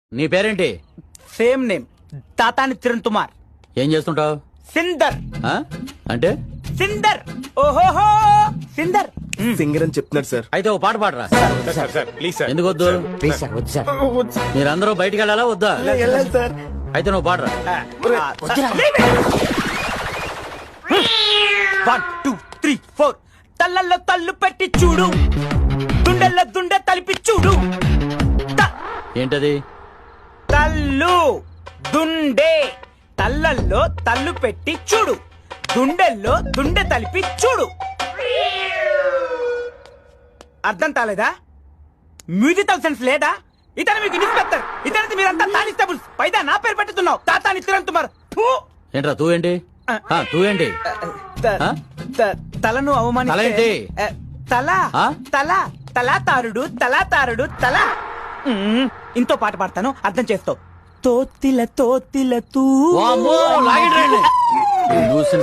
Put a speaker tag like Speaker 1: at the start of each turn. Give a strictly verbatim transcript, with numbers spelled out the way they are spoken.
Speaker 1: నీ పేరేంటి?
Speaker 2: Same name, Tatani Kiran Kumar.
Speaker 1: ఏం చేస్తుంటావు?
Speaker 2: సిందర్.
Speaker 1: ఆ? అంటే
Speaker 2: సిందర్. ఓహోహో సిందర్.
Speaker 3: సింగర్ అని చెప్తున్నాడు సార్.
Speaker 1: అయితే ఓ పాట పాడరా.
Speaker 4: Sir sir please sir.
Speaker 1: ఎందుకు వద్దు?
Speaker 5: ప్లీజ్ సార్, వద్దు సార్.
Speaker 1: మీరందరూ బయటికి వెళ్ళాలా వద్దా?
Speaker 3: వెళ్ళాలి సార్.
Speaker 1: అయితే నువ్వు పాడరా.
Speaker 2: One two three four. తల్లల్లో తల్లు పెట్టి చూడు, దుండెల్లో దుండె తలిపి చూడు. త-
Speaker 1: ఏంటది?
Speaker 2: తల్లు దుండె. తల్లల్లో తల్లు పెట్టి చూడు, దుండెల్లో దుండె తలిపి చూడు. అర్థం కాలేదా? మ్యూజికల్ సెన్స్ లేదా? ఇతను మీకు ఇన్స్పెక్టర్, ఇతనికి మీరంతా కానిస్టేబుల్స్. పైదా నా పేరు పెట్టుతున్నావు, తాతాని కిరణ్ కుమార్. ఫు!
Speaker 1: ఏంట్రా తూ ఏంటి? ఆ, తూ ఏంటి?
Speaker 2: త-
Speaker 1: ఆ?
Speaker 2: త- తలను అవమానిస్తే
Speaker 1: తలేంటి?
Speaker 2: ఆ, తల
Speaker 1: ఆ?
Speaker 2: తల తలాతారుడు తలాతారుడు తల. మ్మ్. ఇంతో పాట పాడతాను, అర్థం చేస్తావు. తోతిల తోతిల తూ.
Speaker 1: వామ్మో, లాగండి రండి. ఈ న్యూసెన్స్